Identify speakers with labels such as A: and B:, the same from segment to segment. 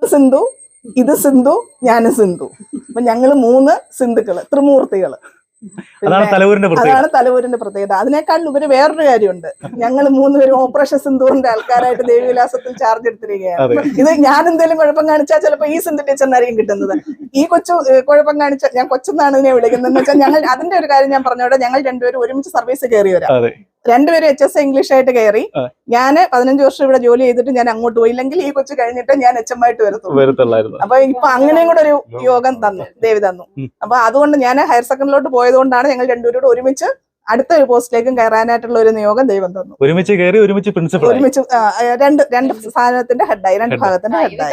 A: സിന്ധു, ഇത് സിന്ധു, ഞാനും സിന്ധു. അപ്പൊ ഞങ്ങള് 3 സിന്ധുക്കള്, ത്രിമൂർത്തികള്.
B: അതാണ്
A: തലവൂരിന്റെ പ്രത്യേകത. അതിനേക്കാൾ ഉപരി വേറൊരു കാര്യമുണ്ട്. ഞങ്ങൾ 3 പേരും ഓപ്പറേഷൻ സിന്ധൂറിന്റെ ആൾക്കാരായിട്ട് ദേവിവിലാസത്തിൽ ചാർജ് എടുത്തിരിക്കുകയാണ്. ഇത് ഞാൻ എന്തെങ്കിലും കുഴപ്പം കാണിച്ചാൽ ചിലപ്പോ ഈ സിന്ധു ടീച്ചറിനായിരിക്കും കിട്ടുന്നത്. ഈ കൊച്ചു കുഴപ്പം കാണിച്ചാൽ, ഞാൻ കൊച്ചെന്നാണ് ഇതിനെ വിളിക്കുന്നത് എന്ന് വെച്ചാൽ, ഞങ്ങൾ അതിന്റെ ഒരു കാര്യം ഞാൻ പറഞ്ഞോട്ടെ. ഞങ്ങൾ രണ്ടുപേരും ഒരുമിച്ച് സർവീസ് കയറിയവരാ. രണ്ടുപേരും HSA ഇംഗ്ലീഷ് ആയിട്ട് കയറി. ഞാൻ 15 വർഷം ഇവിടെ ജോലി ചെയ്തിട്ട് ഞാൻ അങ്ങോട്ട് പോയില്ലെങ്കിൽ ഈ കൊച്ചു കഴിഞ്ഞിട്ട് ഞാൻ HM ആയിട്ട് വരത്തുള്ളൂ. അപ്പൊ ഇപ്പൊ അങ്ങനെയും കൂടെ ഒരു യോഗം തന്നു, ദേവി തന്നു. അപ്പൊ അതുകൊണ്ട് ഞാൻ ഹയർ സെക്കൻഡറിലോട്ട് പോയതുകൊണ്ടാണ് ഞങ്ങൾ രണ്ടുപേരും ഒരുമിച്ച് അടുത്ത ഒരു പോസ്റ്റിലേക്കും കയറാനായിട്ടുള്ള ഒരു നിയോഗം ദൈവം തന്നു.
B: ഒരുമിച്ച് കയറി, ഒരുമിച്ച് പ്രിൻസിപ്പൽ, ഒരുമിച്ച്
A: രണ്ട് സ്ഥാനത്തിന്റെ ഹെഡായി, 2 ഭാഗത്തിന്റെ ഹെഡായി.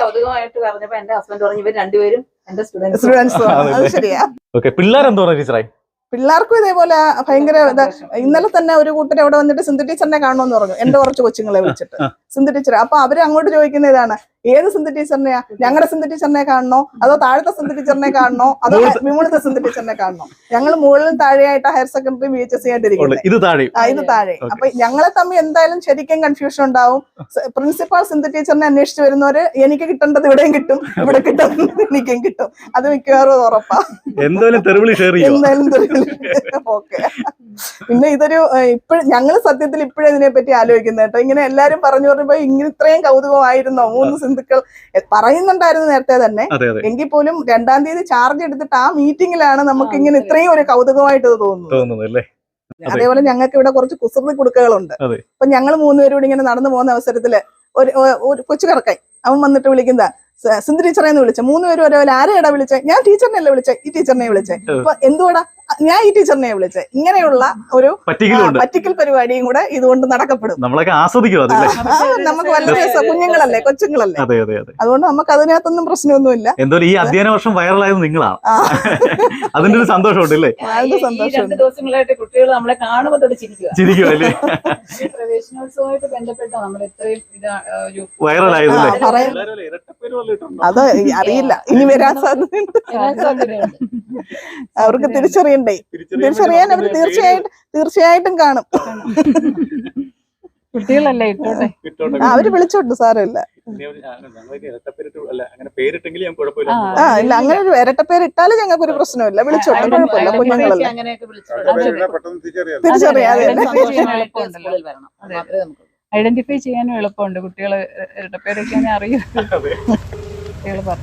A: സ്റ്റുഡൻസ്. അത് ശരിയാ.
B: പിള്ളേരെന്തോ ടീച്ചറായി.
A: പിള്ളേർക്കും ഇതേപോലെ ഭയങ്കര ഇന്നലെ തന്നെ ഒരു കൂട്ടർ അവിടെ വന്നിട്ട് സിന്ധു ടീച്ചറിനെ കാണണമെന്ന് പറഞ്ഞു. എന്റെ കുറച്ച് കൊച്ചുങ്ങളെ വിളിച്ചിട്ട് സിന്ധു ടീച്ചർ. അപ്പൊ അവര് അങ്ങോട്ട് ചോദിക്കുന്ന ഇതാണ്, ഏത് സിന്ധു ടീച്ചറിനെയാ? ഞങ്ങളുടെ സിന്ധു ടീച്ചറിനെ കാണണോ, അതോ താഴത്തെ സിന്ധു ടീച്ചറിനെ കാണണോ, അതോ വിമുളത്തെ സിന്ധു ടീച്ചറിനെ കാണണോ? ഞങ്ങൾ മുകളിലും താഴെയായിട്ട് ഹയർ സെക്കൻഡറി VHSC ആയിട്ടിരിക്കുന്നത്. ഇത് താഴെ. അപ്പൊ ഞങ്ങളെ തമ്മിൽ എന്തായാലും ശരിക്കും കൺഫ്യൂഷൻ ഉണ്ടാവും. പ്രിൻസിപ്പാൾ സിന്ധു ടീച്ചറിനെ അന്വേഷിച്ച് വരുന്നവര് എനിക്ക് കിട്ടേണ്ടത് ഇവിടെയും കിട്ടും, ഇവിടെ കിട്ടുന്നത് എനിക്കും കിട്ടും. അത് മിക്കവാറും ഉറപ്പാ. എന്തായാലും ഓക്കെ. പിന്നെ ഇതൊരു ഞങ്ങള് സത്യത്തിൽ ഇപ്പോഴും ഇതിനെപ്പറ്റി ആലോചിക്കുന്നത് കേട്ടോ. ഇങ്ങനെ എല്ലാരും പറഞ്ഞു പറഞ്ഞപ്പോ ഇങ്ങനെ ഇത്രയും കൗതുകമായിരുന്നോ? 3 സിന്ധുക്കൾ പറയുന്നുണ്ടായിരുന്നു നേരത്തെ തന്നെ. എങ്കിൽ പോലും 2-ാം തീയതി ചാർജ് എടുത്തിട്ട് ആ മീറ്റിംഗിലാണ് നമുക്ക് ഇങ്ങനെ ഇത്രയും ഒരു കൗതുകമായിട്ട് തോന്നുന്നത്. അതേപോലെ ഞങ്ങൾക്ക് ഇവിടെ കുറച്ച് കുസൃതി കുടുക്കകളുണ്ട്. അപ്പൊ ഞങ്ങൾ 3 പേരും കൂടി ഇങ്ങനെ നടന്നു പോകുന്ന അവസരത്തില് ഒരു കൊച്ചു കറക്കായി അവൻ വന്നിട്ട് വിളിക്കുന്ന സിന്ധു ടീച്ചറേന്ന് വിളിച്ച. 3 പേരും ഒരേപോലെ ആരെയാടാ വിളിച്ചേ? ഞാൻ ടീച്ചറിനെയല്ലേ വിളിച്ചേ, ഈ ടീച്ചറിനെ വിളിച്ചേ. അപ്പൊ എന്തുവാടാ ഞാൻ ഈ ടീച്ചറിനെ വിളിച്ചേ? ഇങ്ങനെയുള്ള ഒരു പറ്റിക്കൽ പരിപാടിയും കൂടെ ഇതുകൊണ്ട് നടക്കപ്പെടും.
B: നമ്മളൊക്കെ ആസ്വദിക്കും.
A: നമുക്ക് വളരെ കുഞ്ഞുങ്ങളല്ലേ, കൊച്ചുങ്ങളല്ലേ. അതുകൊണ്ട് നമുക്ക് അതിനകത്തൊന്നും പ്രശ്നമൊന്നുമില്ല.
B: എന്തായാലും ഈ അധ്യയന വർഷം വൈറലായത് നിങ്ങളാണ്. അതിന്റെ ഒരു സന്തോഷമുണ്ടല്ലേ?
C: ദിവസങ്ങളായിട്ട് കുട്ടികൾ നമ്മളെ കാണുമ്പോൾ ചിരിക്കുമല്ലേ? പ്രവേശനോത്സവമായിട്ട് ബന്ധപ്പെട്ട നമ്മൾ എത്രയും
B: വൈറലായതല്ലേ?
A: അത് അറിയില്ല, ഇനി വരാൻ സാധ്യതയുണ്ട്. അവർക്ക് തിരിച്ചറിയാൻ അവർ തീർച്ചയായിട്ടും കാണും.
C: കുട്ടികളല്ലേ ഇട്ടോട്ടെ,
A: അവര് വിളിച്ചോട്ട് സാരമില്ല. ഇല്ല, അങ്ങനെ ഒരു ഇരട്ടപ്പേര് ഇട്ടാലും ഞങ്ങൾക്ക് ഒരു പ്രശ്നമില്ല. വിളിച്ചോട്ടെ, കുഴപ്പമില്ല. കുഞ്ഞുങ്ങളല്ലേ, തിരിച്ചറിയാതെ
C: ഐഡന്റിഫൈ ചെയ്യാനും എളുപ്പമുണ്ട്. കുട്ടികള് ഇരട്ടപ്പേരൊക്കെ അറിയാം. കുട്ടികൾ പറഞ്ഞു.